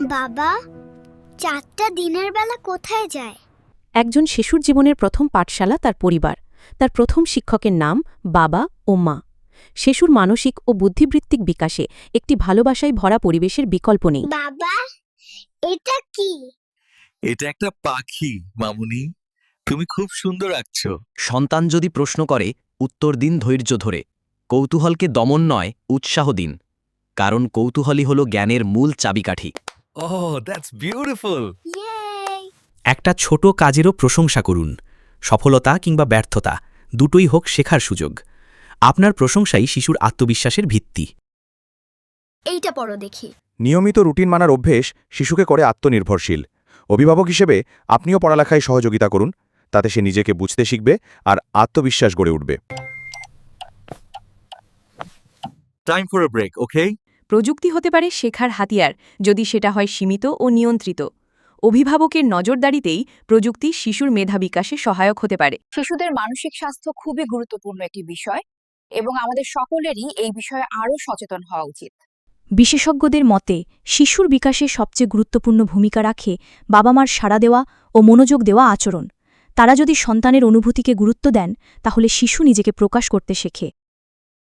বাবা, চাঁদটা দিনের বেলা কোথায় যায়? একজন শিশুর জীবনের প্রথম পাঠশালা তার পরিবার, তার প্রথম শিক্ষকের নাম বাবা ও মা। শিশুর মানসিক ও বুদ্ধিবৃত্তিক বিকাশে একটি ভালোবাসায় ভরা পরিবেশের বিকল্প নেই। বাবা, এটা কি? এটা একটা পাখি মামুনি, তুমি খুব সুন্দর আঁকছো। সন্তান যদি প্রশ্ন করে উত্তর দিন ধৈর্য ধরে। কৌতূহলকে দমন নয়, উৎসাহ দিন, কারণ কৌতূহলই হল জ্ঞানের মূল চাবিকাঠি। Oh, that's beautiful. ইয়ে! একটা ছোট কাজেরও প্রশংসা করুন। সফলতা কিংবা ব্যর্থতা দুটোই হোক শেখার সুযোগ। আপনার প্রশংসাই শিশুর আত্মবিশ্বাসের ভিত্তি। এইটা পড়ো দেখি। নিয়মিত রুটিন মানার অভ্যেস শিশুকে করে আত্মনির্ভরশীল। অভিভাবক হিসেবে আপনিও পড়ালেখায় সহযোগিতা করুন, তাতে সে নিজেকে বুঝতে শিখবে আর আত্মবিশ্বাস গড়ে উঠবে। Time for a break, okay? প্রযুক্তি হতে পারে শেখার হাতিয়ার, যদি সেটা হয় সীমিত ও নিয়ন্ত্রিত। অভিভাবকের নজরদারিতেই প্রযুক্তি শিশুর মেধা বিকাশে সহায়ক হতে পারে। শিশুদের মানসিক স্বাস্থ্য খুবই গুরুত্বপূর্ণ একটি বিষয় এবং আমাদের সকলেরই এই বিষয়ে আরও সচেতন হওয়া উচিত। বিশেষজ্ঞদের মতে শিশুর বিকাশে সবচেয়ে গুরুত্বপূর্ণ ভূমিকা রাখে বাবা মার সাড়া দেওয়া ও মনোযোগ দেওয়া আচরণ। তারা যদি সন্তানের অনুভূতিকে গুরুত্ব দেন, তাহলে শিশু নিজেকে প্রকাশ করতে শেখে।